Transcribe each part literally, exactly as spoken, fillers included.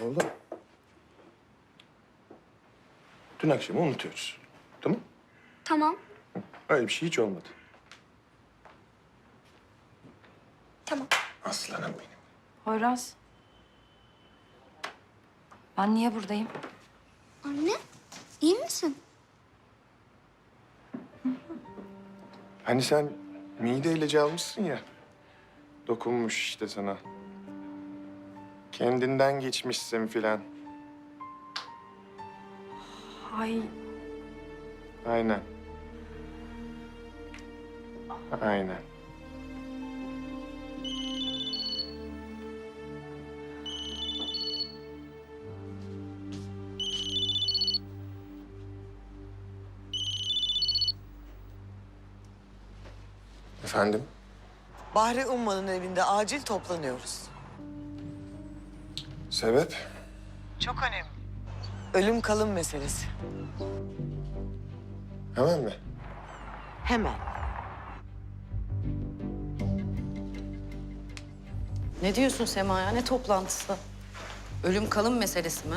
Oğlum. Dün akşamı unutuyoruz. Tamam? Tamam, Öyle bir şey hiç olmadı. tamam. Aslanım benim. Poyraz. Ben niye buradayım? Anne, iyi misin? Hani sen mide ilacı almışsın ya. Dokunmuş işte sana. Kendinden geçmişsin filan. Ay, Aynen. Aynen. Efendim? Bahri Umman'ın evinde acil toplanıyoruz. Sebep? Çok önemli. Ölüm kalım meselesi. Hemen mi? Hemen. Ne diyorsun Sema ya? Ne toplantısı? Ölüm kalım meselesi mi?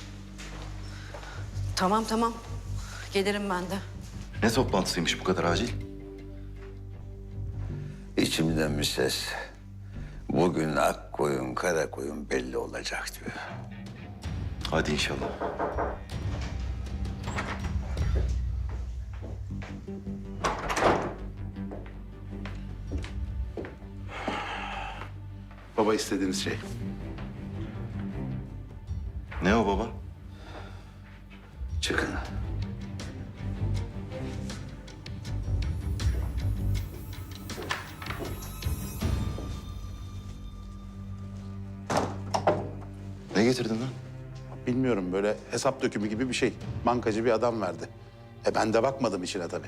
Tamam tamam. Gelirim ben de. Ne toplantısıymış bu kadar acil? İçimden bir ses, bugün ak koyun kara koyun belli olacak diyor. Hadi inşallah. Baba istediğiniz şey. Ne o baba? Çıkın. Ne getirdin lan? Bilmiyorum, böyle hesap dökümü gibi bir şey. Bankacı bir adam verdi. E ben de bakmadım içine tabii.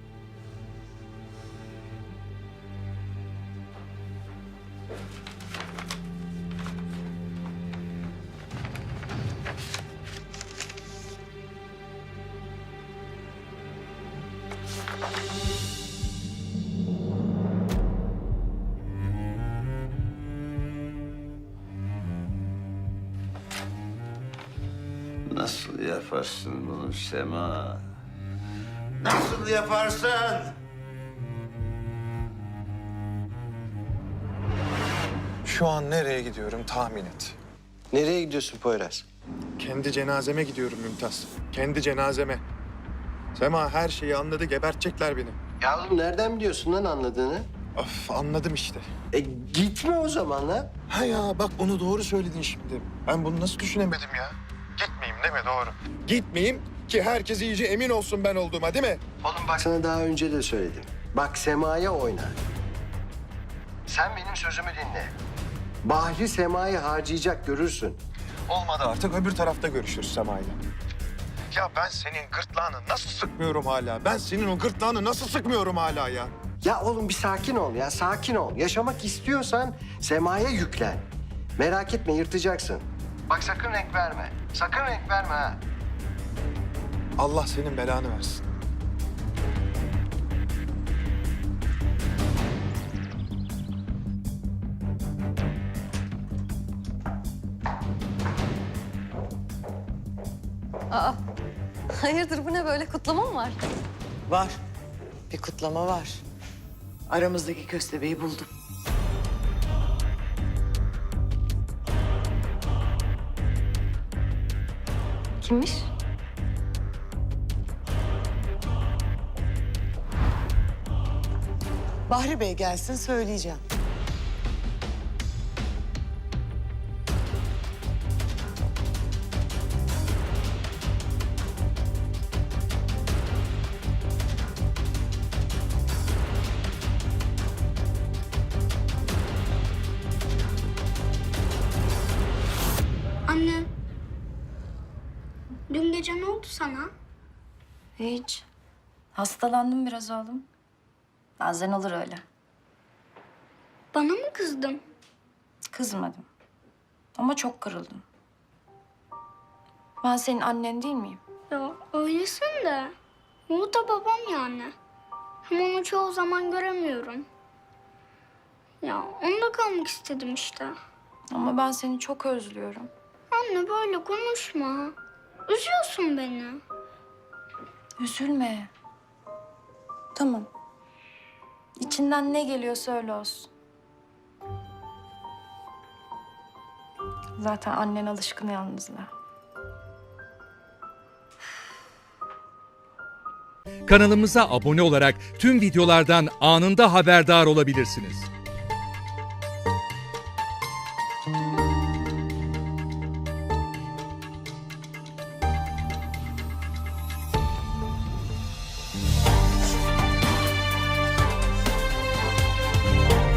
Nasıl yaparsın bunu Sema? Nasıl yaparsın? Şu an nereye gidiyorum tahmin et. Nereye gidiyorsun Poyraz? Kendi cenazeme gidiyorum Mümtaz. Kendi cenazeme. Sema her şeyi anladı, gebertecekler beni. Ya oğlum nereden biliyorsun lan anladığını? Of anladım işte. E gitme o zaman lan. Ha ya bak onu doğru söyledin şimdi. Ben bunu nasıl düşünemedim ya? Gitmeyeyim değil mi? Doğru. Gitmeyeyim ki herkes iyice emin olsun ben olduğuma değil mi? Oğlum bak sana daha önce de söyledim. Bak Sema'ya oyna. Sen benim sözümü dinle. Bahri Sema'yı harcayacak görürsün. Olmadı artık öbür tarafta görüşürüz Sema'yla. Ya ben senin gırtlağını nasıl sıkmıyorum hala? Ben senin o gırtlağını nasıl sıkmıyorum hala ya? Ya oğlum bir sakin ol ya, sakin ol. Yaşamak istiyorsan Sema'ya yüklen. Merak etme, yırtacaksın. Bak sakın renk verme. Sakın renk verme ha. Allah senin belanı versin. Aa, hayırdır bu ne böyle kutlama mı var? Var. Bir kutlama var. Aramızdaki köstebeği buldum. Kimmiş? Bahri Bey gelsin söyleyeceğim. Anne, dün gece ne oldu sana? Hiç. Hastalandım biraz oğlum. Bazen olur öyle. Bana mı kızdın? Kızmadım. Ama çok kırıldım. Ben senin annen değil miyim? Ya öylesin de. O da babam yani. Hem onu çoğu zaman göremiyorum. Ya onda kalmak istedim işte. Ama ben seni çok özlüyorum. anne böyle konuşma. Üzüyorsun beni. Üzülme. Tamam. İçinden ne geliyorsa öyle olsun. Zaten annen alışkın yalnızlığa. Kanalımıza abone olarak tüm videolardan anında haberdar olabilirsiniz.